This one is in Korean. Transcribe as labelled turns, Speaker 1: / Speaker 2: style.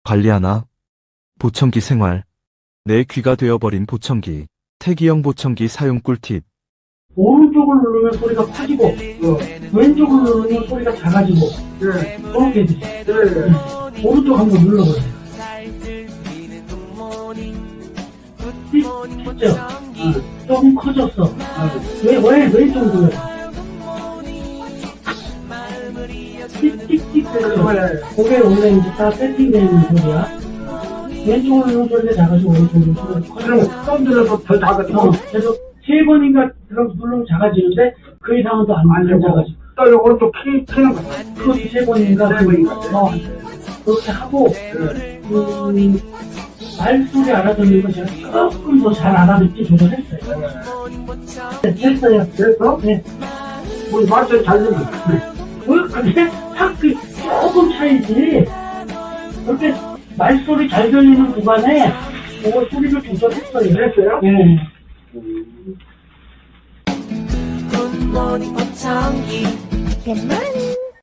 Speaker 1: 관리하나? 보청기 생활. 내 귀가 되어버린 보청기. 태기형 보청기 사용 꿀팁.
Speaker 2: 오른쪽을 누르면 소리가 커지고, 왼쪽을 누르면 소리가 작아지고, 그렇게 해주세요. 오른쪽 한번 눌러보세요. 됐죠? 조금 커졌어. 왜 왼쪽 눌러요? 띡띡띡 됐죠? 그게 원래 이제 다 세팅되는 소리야. 왼쪽으로 누르면 소리가 작아지고, 오른쪽으로 누르면 소리가 커지고.
Speaker 3: 좀 들어서 더 작아지고.
Speaker 2: 그래서 3번인가 누르면 작아지는데, 그 이상은 또 안 작아지고.
Speaker 3: 또 오른쪽 키는 거.
Speaker 2: 그것도 3번인가? 그렇게 하고, 말소리 알아듣는 거 제가 조금 더 잘 알아듣게 조절했어요. 됐어요.
Speaker 3: 됐어?
Speaker 2: 네.
Speaker 3: 우리 말소리 잘 듣는
Speaker 2: 근데 확 조금 차이지. 그렇게 말소리 잘 들리는 구간에 그거 소리를 조절했어요.
Speaker 3: 됐어요?
Speaker 2: 네.
Speaker 4: 굿모닝 보청기. 굿모닝.